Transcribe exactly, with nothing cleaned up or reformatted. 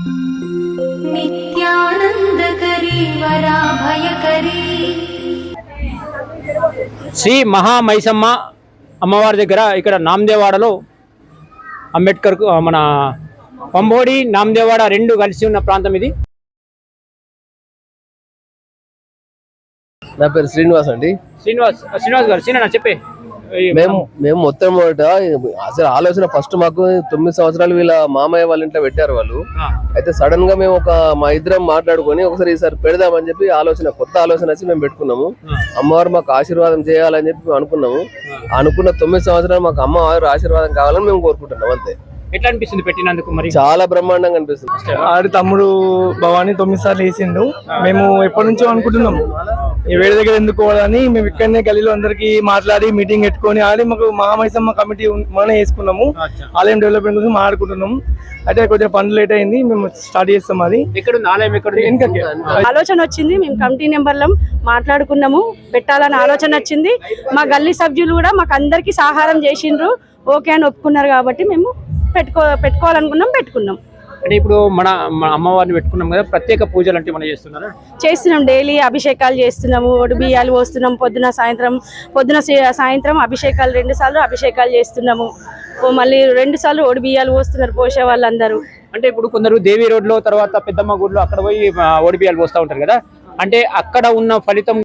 నిత్యానందకరీ వరాభయకరీ శ్రీ మహామైసమ్మ అమ్మవారి దగ్గర ఇక్కడ నామదేవాడలో అంబేద్కర్ మన పంబోడి నామదేవాడ రెండు కలిసి ఉన్న ప్రాంతం ఇది. నా పేరు శ్రీనివాస్ అండి. శ్రీనివాస్ శ్రీనివాస్ గారు శ్రీనా చెప్పే మేము మేము మొత్తం మొదట అసలు ఆలోచన ఫస్ట్ మాకు తొమ్మిది సంవత్సరాలు వీళ్ళ మామయ్య వాళ్ళ ఇంట్లో పెట్టారు వాళ్ళు. అయితే సడన్ గా మేము ఒక మా ఇద్దరం మాట్లాడుకొని ఒకసారి ఈసారి పెడదామని చెప్పి ఆలోచన కొత్త ఆలోచన వచ్చి మేము పెట్టుకున్నాము. అమ్మవారు మాకు ఆశీర్వాదం చేయాలని చెప్పి మేము అనుకున్నాము. అనుకున్న తొమ్మిది సంవత్సరాలు మాకు అమ్మవారు ఆశీర్వాదం కావాలని మేము కోరుకుంటున్నాం. అంతే. ఎట్లా అనిపిస్తుంది పెట్టినందుకు? మరి చాలా బ్రహ్మాండంగా అనిపిస్తుంది. ఆడి తమ్ముడు భవానీ తొమ్మిది సార్లు వేసిండు. మేము ఎప్పటి నుంచో అనుకుంటున్నాం ఈ వేడి దగ్గర ఎందుకు పోవాలని. మేము ఇక్కడనే గలీలో అందరికి మాట్లాడి మీటింగ్ పెట్టుకొని ఆడి మాకు మహామైసమ్మ కమిటీ మనమే వేసుకున్నాము. ఆలయం డెవలప్మెంట్ కోసం మాట్లాడుకుంటున్నాం. అయితే కొంచెం ఫండ్ లేట్ అయింది, మేము స్టార్ట్ చేస్తాం. అది ఆలయం ఎక్కడ ఆలోచన వచ్చింది, మేము కమిటీ నెంబర్లో మాట్లాడుకున్నాము, పెట్టాలని ఆలోచన వచ్చింది. మా గల్లీ సభ్యులు కూడా మాకు అందరికి సహారం చేసిండ్రు, ఓకే అని ఒప్పుకున్నారు. కాబట్టి మేము పెట్టుకో పెట్టుకోవాలనుకున్నాం పెట్టుకున్నాం. అంటే ఇప్పుడు మన అమ్మవారిని పెట్టుకున్నాం కదా, ప్రత్యేక పూజలు అంటే మనం చేస్తున్నారా? చేస్తున్నాం. డైలీ అభిషేకాలు చేస్తున్నాము, ఒడి బియ్యాలు పోస్తున్నాం. పొద్దున సాయంత్రం పొద్దున సాయంత్రం అభిషేకాలు రెండు సార్లు అభిషేకాలు చేస్తున్నాము. మళ్ళీ రెండు సార్లు ఒడి బియ్యాలు పోస్తున్నారు పోసే వాళ్ళందరూ. అంటే ఇప్పుడు కొందరు దేవి రోడ్లో తర్వాత పెద్దమ్మ గుడిలో అక్కడ పోయి ఒడి బియ్యాలు పోస్తూ ఉంటారు కదా, అంటే అక్కడ ఉన్న ఫలితం